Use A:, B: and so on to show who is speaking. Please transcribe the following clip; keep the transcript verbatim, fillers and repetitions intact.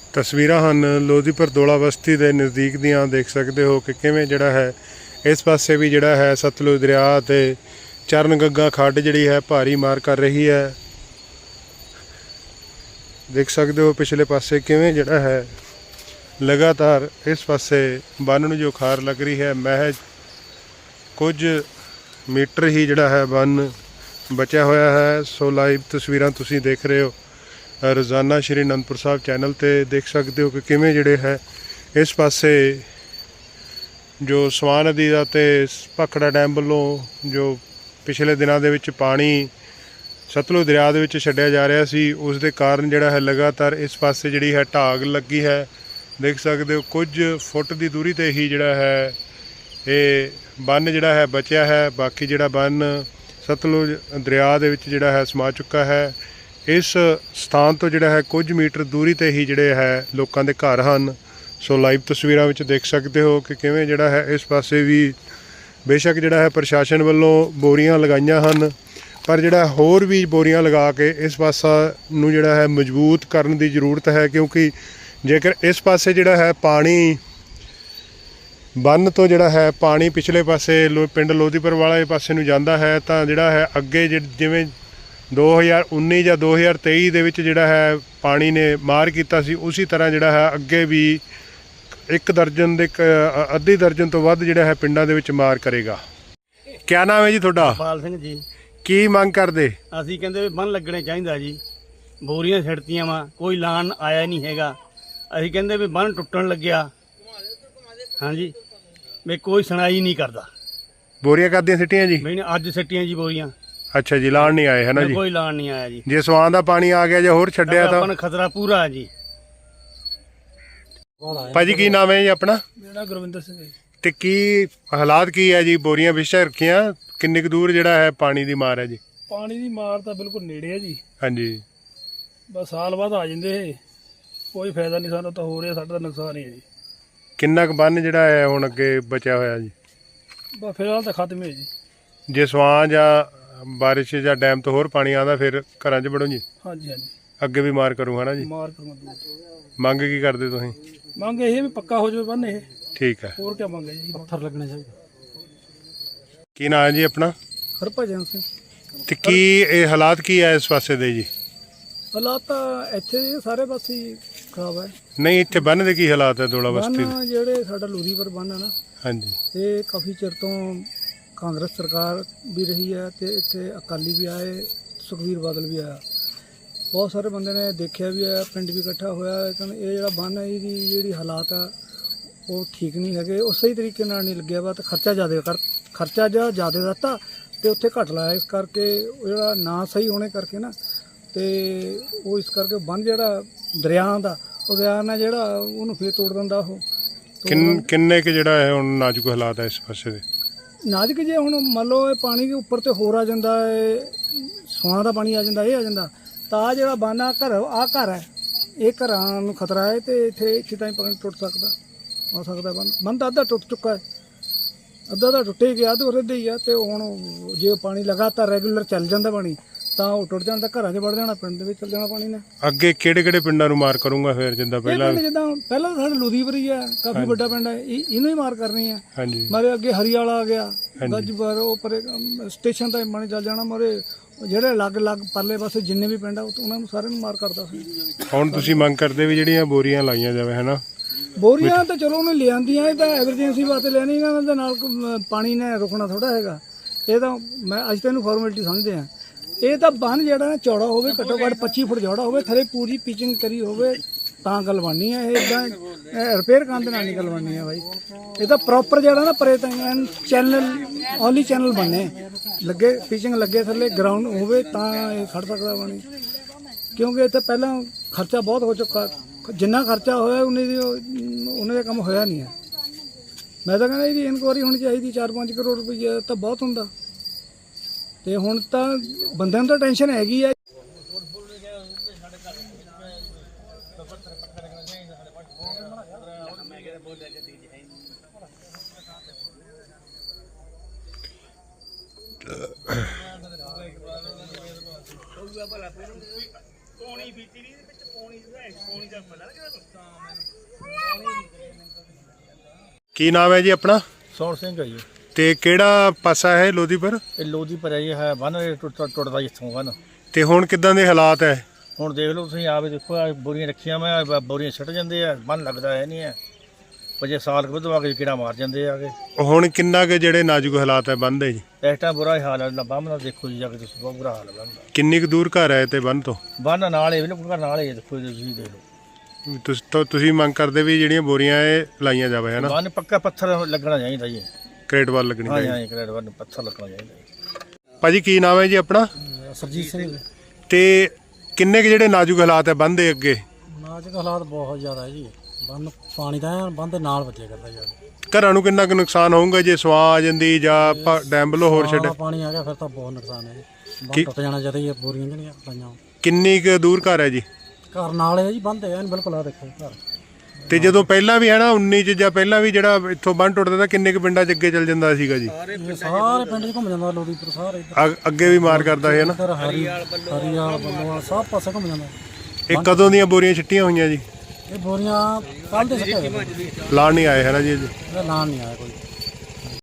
A: तस्वीरां हन लोधीपुर दोला बस्ती के नज़दीक दियां देख सकते हो कि किवें जिहड़ा है इस पासे भी जिहड़ा है सतलुज दरिया ते चरण गंगा खड्ड जिहड़ी है भारी मार कर रही है। देख सकते हो पिछले पासे किवें जिहड़ा है लगातार इस पासे बन नूं जो खार लग रही है। महज कुछ मीटर ही जिहड़ा है बन बचा होया है। सो लाइव तस्वीरां तुसीं देख रहे हो रोज़ाना श्री आनंदपुर साहब चैनल ते देख सकते हो कि किवें जिहड़े है इस पासे जो स्वां नदी दा ते भाखड़ा डैम वालों जो पिछले दिनों दे विच पानी सतलुज दरिया दे विच छड्डिया जा रहा सी, उस दे कारण जिहड़ा है लगातार इस पासे जिहड़ी है ढाग लगी है। देख सकते हो कुछ फुट की दूरी ते ही जिहड़ा है ये बन जिहड़ा है बचिया है। बाकी जिहड़ा बन सतलुज दरिया दे विच जिहड़ा है समा चुका है। इस स्थान तो जिहड़ा है कुछ मीटर दूरी ते ही जिहड़े है लोकां दे घर हन। सो लाइव तस्वीरां विच देख सकते हो कि किवें जिहड़ा है इस पासे भी बेशक जिहड़ा है प्रशासन वालों बोरियां लगाईयां हन, पर जिहड़ा होर भी बोरियां लगा के इस पासा नूं जिहड़ा है मजबूत करन दी जरूरत है, क्योंकि जेकर इस पासे जिहड़ा है पानी बन तो जिहड़ा है पानी पिछले पासे लो पिंड लोधीपुर वाले पासे नूं जांदा है तां जिहड़ा है अगे जिवें दो हज़ार उन्नी या दो हज़ार तेई दे विच जिहड़ा है पानी ने मार कीता सी, उसी तरह जिहड़ा है अगे भी एक दर्जन दे अद्धी दर्जन तो वध जिहड़ा है पिंडां दे विच मार करेगा। क्या नाम है जी तुहाडा?
B: पाल सिंह जी।
A: की मंग करदे?
B: ਅਸੀਂ ਕਹਿੰਦੇ ਵੀ ਬੰਨ ਲੱਗਣੇ ਚਾਹੀਦਾ ਜੀ। ਬੋਰੀਆਂ ਛਿੜਤੀਆਂ ਵਾ, ਕੋਈ ਲਾਣ ਆਇਆ ਨਹੀਂ ਹੈਗਾ। ਅਸੀਂ ਕਹਿੰਦੇ ਵੀ ਬੰਨ ਟੁੱਟਣ ਲੱਗਿਆ, ਹਾਂਜੀ ਵੀ ਕੋਈ ਸੁਣਾਈ ਨਹੀਂ ਕਰਦਾ।
A: बोरियां करदियां सिट्टियां जी?
B: ਵੀ ਅੱਜ ਸਿੱਟੀਆਂ ਜੀ ਬੋਰੀਆਂ।
A: अच्छा जी, लाण नहीं आए है ना जी?
B: ਕੋਈ ਲਾਣ ਨਹੀਂ ਆਇਆ ਜੀ।
A: जे सवां दा पानी आ गया ਜਾਂ ਹੋਰ ਛੱਡਿਆ ਤਾਂ
B: ਆਪਾਂ ਨੂੰ ਖਤਰਾ ਪੂਰਾ ਹੈ ਜੀ।
A: ਭਾਜੀ ਕੀ ਨਾਮ ਹੈ ਜੀ ਆਪਣਾ?
B: ਮੇਰਾ ਗੁਰਵਿੰਦਰ ਸਿੰਘ ਜੀ।
A: ਤੇ ਕੀ ਹਾਲਾਤ ਕੀ ਹੈ ਜੀ? ਬੋਰੀਆਂ ਵਿਛਾ ਰੱਖੀਆਂ, ਕਿੰਨੇ ਕੁ ਦੂਰ ਜਿਹੜਾ ਹੈ ਪਾਣੀ ਦੀ ਮਾਰ ਹੈ ਜੀ?
C: ਪਾਣੀ ਦੀ ਮਾਰ ਤਾਂ ਬਿਲਕੁਲ ਨੇੜੇ ਹੈ ਜੀ।
A: ਹਾਂਜੀ,
C: ਬਸ ਸਾਲ ਬਾਅਦ ਆ ਜਾਂਦੇ ਇਹ, ਕੋਈ ਫਾਇਦਾ ਨਹੀਂ ਸਾਨੂੰ ਤਾਂ ਹੋ ਰਿਹਾ, ਸਾਡਾ ਤਾਂ ਨੁਕਸਾਨ ਹੀ ਹੈ ਜੀ।
A: ਕਿੰਨਾ ਕੁ ਬੰਨ ਜਿਹੜਾ ਹੈ ਹੁਣ ਅੱਗੇ ਬਚਿਆ ਹੋਇਆ ਜੀ?
C: ਬਸ ਫਿਲਹਾਲ ਤਾਂ ਖਤਮ ਹੈ ਜੀ।
A: ਜੇ ਸਵਾਂ ਜਾਂ ਬਾਰਿਸ਼ ਜਾਂ ਡੈਮ ਤੋਂ ਹੋਰ ਪਾਣੀ ਆਉਂਦਾ ਫਿਰ ਘਰਾਂ 'ਚ ਵੜੋ ਜੀ?
C: ਹਾਂਜੀ ਹਾਂਜੀ,
A: ਅੱਗੇ ਵੀ ਮਾਰ ਕਰੂ ਹੈ ਨਾ ਜੀ?
C: ਮਾਰ ਕਰੂੰਗਾ ਦੂਰ।
A: ਮੰਗ ਕੀ ਕਰਦੇ ਤੁਸੀਂ?
C: ਮੰਗ ਇਹ ਵੀ ਪੱਕਾ ਹੋ ਜਾਵੇ ਬੰਨ ਇਹ,
A: ਠੀਕ ਹੈ।
C: ਹੋਰ ਕੀ ਮੰਗ ਹੈ ਜੀ? ਪੱਥਰ ਲੱਗਣੇ ਚਾਹੀਦੇ।
A: ਕੀ ਨਾਂ ਹੈ ਜੀ ਆਪਣਾ?
C: ਹਰਭਜਨ ਸਿੰਘ।
A: ਤੇ ਕੀ ਇਹ ਹਾਲਾਤ ਕੀ ਹੈ ਇਸ ਪਾਸੇ ਦੇ ਜੀ?
C: ਹਾਲਾਤ ਤਾਂ ਇੱਥੇ ਸਾਰੇ ਪਾਸੇ ਹੀ ਖਰਾਬ ਹੈ।
A: ਨਹੀਂ, ਇੱਥੇ ਬੰਨ ਦੇ ਕੀ ਹਾਲਾਤ ਹੈ ਦੋਲਾ ਬਸਤੀ ਦੇ?
C: ਬੰਨ ਜਿਹੜੇ ਸਾਡਾ ਲੂਰੀਪੁਰ ਬੰਨ ਹੈ ਨਾ,
A: ਹਾਂਜੀ,
C: ਇਹ ਕਾਫੀ ਚਿਰ ਤੋਂ ਕਾਂਗਰਸ ਸਰਕਾਰ ਵੀ ਰਹੀ ਹੈ ਤੇ ਇੱਥੇ ਅਕਾਲੀ ਵੀ ਆਏ, ਸੁਖਬੀਰ ਬਾਦਲ ਵੀ ਆਇਆ, ਬਹੁਤ ਸਾਰੇ ਬੰਦੇ ਨੇ ਦੇਖਿਆ ਵੀ ਹੈ, ਪਿੰਡ ਵੀ ਇਕੱਠਾ ਹੋਇਆ। ਲੇਕਿਨ ਇਹ ਜਿਹੜਾ ਬੰਨ ਹੈ ਇਹਦੀ ਜਿਹੜੀ ਹਾਲਾਤ ਆ ਉਹ ਠੀਕ ਨਹੀਂ ਹੈਗੇ, ਉਹ ਸਹੀ ਤਰੀਕੇ ਨਾਲ ਨਹੀਂ ਲੱਗਿਆ ਵਾ। ਤੇ ਖਰਚਾ ਜ਼ਿਆਦਾ ਕਰ ਖਰਚਾ ਜਾਂ ਜ਼ਿਆਦਾ ਦਿੱਤਾ ਤੇ ਉੱਥੇ ਘੱਟ ਲਾਇਆ, ਇਸ ਕਰਕੇ ਉਹ ਜਿਹੜਾ ਨਾ ਸਹੀ ਹੋਣੇ ਕਰਕੇ ਨਾ, ਤੇ ਉਹ ਇਸ ਕਰਕੇ ਬੰਨ ਜਿਹੜਾ ਦਰਿਆ ਦਾ ਉਹ ਦਰਿਆ ਨਾਲ ਜਿਹੜਾ ਉਹਨੂੰ ਫੇਰ ਤੋੜ ਦਿੰਦਾ ਉਹ।
A: ਕਿੰਨ ਕਿੰਨੇ ਕੁ ਜਿਹੜਾ ਹੈ ਹੁਣ ਨਾਜ਼ੁਕ ਹਾਲਾਤ ਹੈ ਇਸ ਪਾਸੇ ਦੇ?
C: ਨਾਜ਼ੁਕ ਜੇ ਹੁਣ ਮੰਨ ਲਓ ਇਹ ਪਾਣੀ ਦੇ ਉੱਪਰ ਤੇ ਹੋਰ ਆ ਜਾਂਦਾ ਹੈ, ਸਵਾਂ ਦਾ ਪਾਣੀ ਆ ਜਾਂਦਾ, ਇਹ ਆ ਜਾਂਦਾ, ਤਾਂ ਆਹ ਜਿਹੜਾ ਬੰਨ ਆ ਘਰ ਆਹ ਘਰ ਹੈ, ਇਹ ਘਰਾਂ ਨੂੰ ਖਤਰਾ ਹੈ ਤੇ ਇੱਥੇ ਇੱਥੇ ਤਾਂ ਹੀ ਪਾਣੀ ਟੁੱਟ ਸਕਦਾ ਹੋ ਸਕਦਾ। ਬੰਨ ਬੰਨ ਤਾਂ ਅੱਧਾ ਟੁੱਟ ਚੁੱਕਾ ਹੈ, ਅੱਧਾ ਤਾਂ ਟੁੱਟੇ ਗਿਆ ਤੇ ਉਹਦੇ ਹੀ ਆ। ਤੇ ਹੁਣ ਜੇ ਪਾਣੀ ਲਗਾਤਾਰ ਰੈਗੂਲਰ ਚੱਲ ਜਾਂਦਾ ਪਾਣੀ ਤਾਂ ਉਹ ਟੁੱਟ ਜਾਂਦਾ, ਘਰਾਂ 'ਚ ਵੜ ਜਾਣਾ, ਪਿੰਡ ਦੇ ਵਿੱਚ ਚੱਲ ਜਾਣਾ ਪਾਣੀ ਨੇ।
A: ਅੱਗੇ ਕਿਹੜੇ ਕਿਹੜੇ ਪਿੰਡਾਂ ਨੂੰ ਮਾਰ ਕਰੂੰਗਾ ਫਿਰ? ਜਿੱਦਾਂ ਪਹਿਲਾਂ
C: ਜਿੱਦਾਂ ਪਹਿਲਾਂ ਤਾਂ ਸਾਡਾ ਲੁਧੀਪੁਰੀ ਆ, ਕਾਫੀ ਵੱਡਾ ਪਿੰਡ ਹੈ, ਇਹ ਇਹਨੂੰ ਹੀ ਮਾਰ ਕਰਨੀ ਆ।
A: ਹਾਂਜੀ,
C: ਮਾਰੇ ਅੱਗੇ ਹਰੀਵਾਲਾ ਆ ਗਿਆ, ਗੱਜਪੁਰ ਉਹ ਪਰੇ ਸਟੇਸ਼ਨ ਤਾਂ ਪਾਣੀ ਚੱਲ ਜਾਣਾ। ਮਾਰੇ ਜਿਹੜੇ ਅਲੱਗ ਅਲੱਗ ਪਰਲੇ ਪਾਸੇ ਜਿੰਨੇ ਵੀ ਪਿੰਡ ਆ ਉਹਨਾਂ ਨੂੰ ਸਾਰਿਆਂ ਨੂੰ ਮਾਰ ਕਰਦਾ ਸੀ। ਹੁਣ
A: ਤੁਸੀਂ ਮੰਗ ਕਰਦੇ ਵੀ ਜਿਹੜੀਆਂ ਬੋਰੀਆਂ ਲਾਈਆਂ ਜਾਵੇ ਹੈ ਨਾ?
C: ਬੋਰੀਆਂ ਤਾਂ ਚਲੋ ਉਹਨੇ ਲਿਆਂਦੀਆਂ, ਇਹ ਤਾਂ ਐਮਰਜੈਂਸੀ ਵਾਸਤੇ ਲੈਣੀ, ਇਹਨਾਂ ਦੇ ਨਾਲ ਪਾਣੀ ਨੇ ਰੁਕਣਾ ਥੋੜਾ ਹੈਗਾ। ਇਹ ਤਾਂ ਮੈਂ ਅੱਜ ਤਾਂ ਇਹਨੂੰ ਫਾਰਮੈਲਿਟੀ ਸਮਝਦੇ ਹਾਂ। ਇਹ ਤਾਂ ਬੰਨ ਜਿਹੜਾ ਨਾ ਚੌੜਾ ਹੋਵੇ, ਘੱਟੋ ਘੱਟ ਪੱਚੀ ਫੁੱਟ ਚੌੜਾ ਹੋਵੇ, ਥੱਲੇ ਪੂਰੀ ਪਿਚਿੰਗ ਕਰੀ ਹੋਵੇ ਤਾਂ ਗੱਲ ਬਣਨੀ ਹੈ। ਇਹ ਇੱਦਾਂ ਰਿਪੇਅਰ ਕਰਨ ਦੇ ਨਾਲ ਨਹੀਂ ਗੱਲ ਬਣਨੀ ਹੈ ਬਾਈ। ਇਹ ਤਾਂ ਪ੍ਰੋਪਰ ਜਿਹੜਾ ਨਾ ਪਰੇ ਤਾਂ ਚੈਨਲ ਓਨਲੀ ਚੈਨਲ ਬਣਨੇ ਲੱਗੇ, ਪਿਚਿੰਗ ਲੱਗੇ, ਥੱਲੇ ਗਰਾਊਂਡ ਹੋਵੇ ਤਾਂ ਇਹ ਖੜ ਸਕਦਾ ਪਾਣੀ। ਕਿਉਂਕਿ ਇੱਥੇ ਪਹਿਲਾਂ ਖਰਚਾ ਬਹੁਤ ਹੋ ਚੁੱਕਾ, ਜਿੰਨਾ ਖਰਚਾ ਹੋਇਆ ਉਹਨੇ ਦੀ ਉਹਨੇ ਦਾ ਕੰਮ ਹੋਇਆ ਨਹੀਂ ਹੈ। ਮੈਂ ਤਾਂ ਕਹਿੰਦਾ ਇਹਦੀ ਇਨਕੁਆਰੀ ਹੋਣੀ ਚਾਹੀਦੀ, ਚਾਰ ਪੰਜ ਕਰੋੜ ਰੁਪਈਆ ਤਾਂ ਬਹੁਤ ਹੁੰਦਾ। ਤੇ ਹੁਣ ਤਾਂ ਬੰਦਿਆਂ ਨੂੰ ਤਾਂ ਟੈਨਸ਼ਨ ਹੈਗੀ ਆ।
A: ਕੀ ਨਾਮ ਹੈ ਜੀ ਆਪਣਾ?
D: ਸੌਣ ਸਿੰਘ ਹੈ ਜੀ।
A: ਤੇ ਕਿਹੜਾ ਪਾਸਾ ਹੈ ਲੋਧੀਪੁਰ?
D: ਇਹ ਲੋਧੀ ਪਰ ਇਹ ਹੈ ਬੰਨ ਟੁੱਟਦਾ ਟੁੱਟਦਾ ਇੱਥੋਂ ਬੰਨ।
A: ਤੇ ਹੁਣ ਕਿੱਦਾਂ ਦੇ ਹਾਲਾਤ ਹੈ?
D: ਹੁਣ ਦੇਖ ਲਓ ਤੁਸੀਂ ਆਪ ਹੀ ਦੇਖੋ, ਆਹ ਬੋਰੀਆਂ ਰੱਖੀਆਂ ਮੈਂ ਆਹ ਬੋਰੀਆਂ ਛੱਟ ਜਾਂਦੇ ਆ, ਬੰਨ ਲੱਗਦਾ ਹੈ ਨਹੀਂ ਹੈ। ਵਜੇ ਸਾਲ ਕੁ ਬਾਅਦ ਆ ਕੇ ਕੀੜਾ ਮਾਰ ਜਾਂਦੇ ਆ ਕੇ।
A: ਹੁਣ ਕਿੰਨਾ ਕੁ ਜਿਹੜੇ ਨਾਜ਼ੁਕ ਹਾਲਾਤ ਹੈ ਬੰਨ ਦੇ ਜੀ?
D: ਇਸ ਟਾਈਮ ਬੁਰਾ ਹੀ ਹਾਲ ਹੈ ਨਾ, ਬੰਨ ਦਾ ਦੇਖੋ ਜੀ ਜਾ ਕੇ ਤੁਸੀਂ, ਬਹੁਤ ਬੁਰਾ ਹਾਲ ਹੈ ਬੰਨ ਦਾ।
A: ਕਿੰਨੀ ਕੁ ਦੂਰ ਘਰ ਹੈ ਤੇ ਬੰਨ ਤੋਂ?
D: ਬੰਨ ਨਾਲ ਹੀ ਬਿਲਕੁਲ ਨਾਲ ਹੀ ਦੇਖੋ ਜੀ, ਤੁਸੀਂ ਦੇਖ ਲਓ।
A: ਤੁਸੀਂ ਤਾਂ ਤੁਸੀਂ ਮੰਗ ਕਰਦੇ ਵੀ ਜਿਹੜੀਆਂ ਬੋਰੀਆਂ ਇਹ ਲਾਈਆਂ ਜਾਵੇ ਹੈ ਨਾ?
D: ਬੰਨ ਪੱਕਾ ਪੱਥਰ ਲੱਗਣਾ ਚਾਹੀਦਾ ਜੀ।
A: ਕ੍ਰੇਟ ਵੱਲ ਲੱਗਣੀ
D: ਹਾਂ
A: ਚਾਹੀਦੀ।
D: ਹਾਂ ਕ੍ਰੇਡ ਬੰਨ ਪੱਥਰ ਲੱਗਣਾ ਚਾਹੀਦਾ ਜੀ।
A: ਭਾਜੀ ਕੀ ਨਾਮ ਹੈ ਜੀ ਆਪਣਾ?
C: ਸਰਜੀਤ ਸਿੰਘ।
A: ਤੇ ਕਿੰਨੇ ਕੁ ਜਿਹੜੇ ਨਾਜ਼ੁਕ ਹਾਲਾਤ ਹੈ ਬੰਨ ਦੇ ਅੱਗੇ?
C: ਨਾਜ਼ੁਕ ਹਾਲਾਤ ਬਹੁਤ ਜ਼ਿਆਦਾ ਹੈ ਜੀ। ਬੰਨ ਪਾਣੀ ਦਾ ਬੰਨ ਦੇ ਨਾਲ ਵੱਜਿਆ ਕਰਦਾ ਯਾਰ।
A: ਘਰਾਂ ਨੂੰ ਕਿੰਨਾ ਕੁ ਨੁਕਸਾਨ ਹੋਊਗਾ ਜੇ ਸਵਾਂ ਆ ਜਾਂਦੀ ਜਾਂ ਆਪਾਂ ਡੈਮ ਵੱਲੋਂ ਹੋਰ ਛੱਡ?
C: ਪਾਣੀ ਆ ਗਿਆ ਫਿਰ ਤਾਂ ਬਹੁਤ ਨੁਕਸਾਨ ਹੈ ਜੀ। ਬੰਨ
A: ਕੀ-
C: ਟੁੱਟ ਜਾਣਾ ਚਾਹੀਦਾ ਜੀ, ਬੋਰੀਆਂ ਜਿਹੜੀਆਂ ਲਾਈਆਂ।
A: ਕਿੰਨੀ ਕੁ ਦੂਰ ਘਰ ਹੈ ਜੀ?
C: ਘਰ ਨਾਲ ਹੈ ਜੀ, ਬੰਦ ਹੈ ਬਿਲਕੁਲ। ਆ ਦੇਖੋ ਘਰ।
A: ਤੇ ਜਦੋਂ ਪਹਿਲਾਂ ਵੀ ਹੈ ਨਾ ਉੱਨੀ ਚ ਜਾਂ ਪਹਿਲਾਂ ਵੀ ਜਿਹੜਾ ਇੱਥੋਂ ਬੰਨ ਟੁੱਟਦਾ ਤਾਂ ਕਿੰਨੇ ਕੁ ਪਿੰਡਾਂ ਚ ਅੱਗੇ ਚੱਲ ਜਾਂਦਾ ਸੀਗਾ ਜੀ?
C: ਇਹ ਸਾਰੇ ਪਿੰਡ 'ਚ ਘੁੰਮ ਜਾਂਦਾ ਲੋਧੀਪੁਰ ਸਾਰੇ ਇੱਧਰ।
A: ਅ- ਅੱਗੇ ਵੀ ਮਾਰ ਕਰਦਾ ਹੈ ਨਾ?
C: ਇੱਧਰ ਹਰੀ ਹਰੀਆਲ ਬੱਲੋਵਾਲ ਸਭ ਪਾਸੇ ਘੁੰਮ ਜਾਂਦਾ।
A: ਇਹ ਕਦੋਂ ਦੀਆਂ ਬੋਰੀਆਂ ਛਿੱਟੀਆਂ ਹੋਈਆਂ ਜੀ?
C: ਇਹ ਬੋਰੀਆਂ ਕੱਲ ਦੇ ਸੱਟੇ ਹੋਏ।
A: ਲਾਣ ਨਹੀਂ ਆਏ ਹੈ ਨਾ ਜੀ?
C: ਇਹਦਾ ਨਾਂ ਨਹੀਂ ਆਇਆ ਕੋਈ।